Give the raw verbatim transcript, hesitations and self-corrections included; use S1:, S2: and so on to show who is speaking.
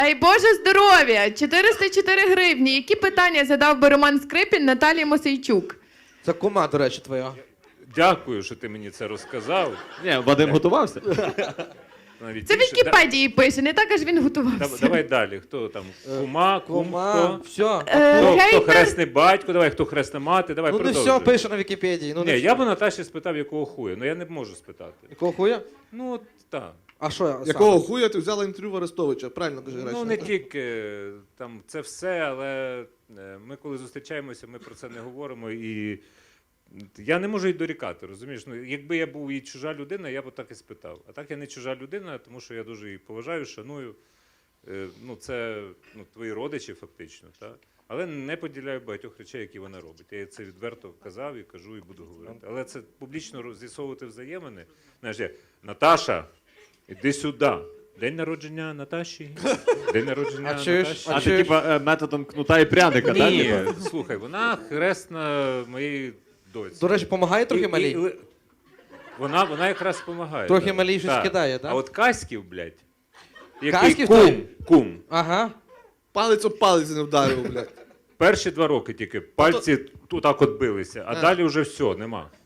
S1: Дай Боже здоров'я! чотириста чотири гривні. Які питання задав би Роман Скрипін Наталії Мосейчук?
S2: Це кума, до речі, твоя.
S3: Дякую, що ти мені це розказав.
S4: Ні, Вадим готувався.
S3: Навіть
S1: Це в
S3: більше.
S1: Вікіпедії пише, не так аж він
S3: Да-
S1: готувався.
S3: Давай далі. Хто там? Кума, кум,
S2: Кума,
S3: хто?
S2: все.
S1: Е,
S3: Хто, хто
S1: гейтер-
S3: хресний батько, давай, хто хресна мати, давай
S2: Ну не
S3: продовжуй.
S2: все пише на Вікіпедії. Ну,
S3: Ні,
S2: не
S3: я
S2: все.
S3: б Наташі спитав, якого хуя, ну я не можу спитати.
S2: Якого хуя?
S3: Ну, от так.
S2: А що я?
S5: Якого хуя ти взяла інтерв'ю в Арестовича? Правильно кажи,
S3: Ну,
S5: Гречко.
S3: не тільки там це все, але е, ми коли зустрічаємося, ми про це не говоримо. І я не можу й дорікати, розумієш? Ну, якби я був і чужа людина, я б так і спитав. А так я не чужа людина, тому що я дуже її поважаю, шаную. Е, Ну, це ну, твої родичі, фактично, так? Але не поділяю багатьох речей, які вона робить. Я їй це відверто казав і кажу, і буду говорити. Але це публічно з'ясовувати взаємини. Знаєш, я, Наташа, іди сюди. День народження Наташі. День народження
S2: А чуєш?
S3: Наташі.
S4: А
S2: А
S4: ти
S2: чи ж-
S4: типа е, методом кнута і пряника, так?
S3: Ні, слухай, вона хресна моєї доці.
S2: До речі, допомагає трохи
S3: І- і-
S2: малій?
S3: і- Вона, вона якраз допомагає.
S2: Трохи
S3: так.
S2: малій щось
S3: Так.
S2: кидає, так?
S3: А от Каськів, блядь, який
S2: Каськів
S3: кум,
S2: той?
S3: кум.
S2: Ага.
S5: Палець об палець не вдарив, блядь.
S3: Перші два роки тільки пальці тут так от билися, а
S2: А.
S3: далі вже все, нема.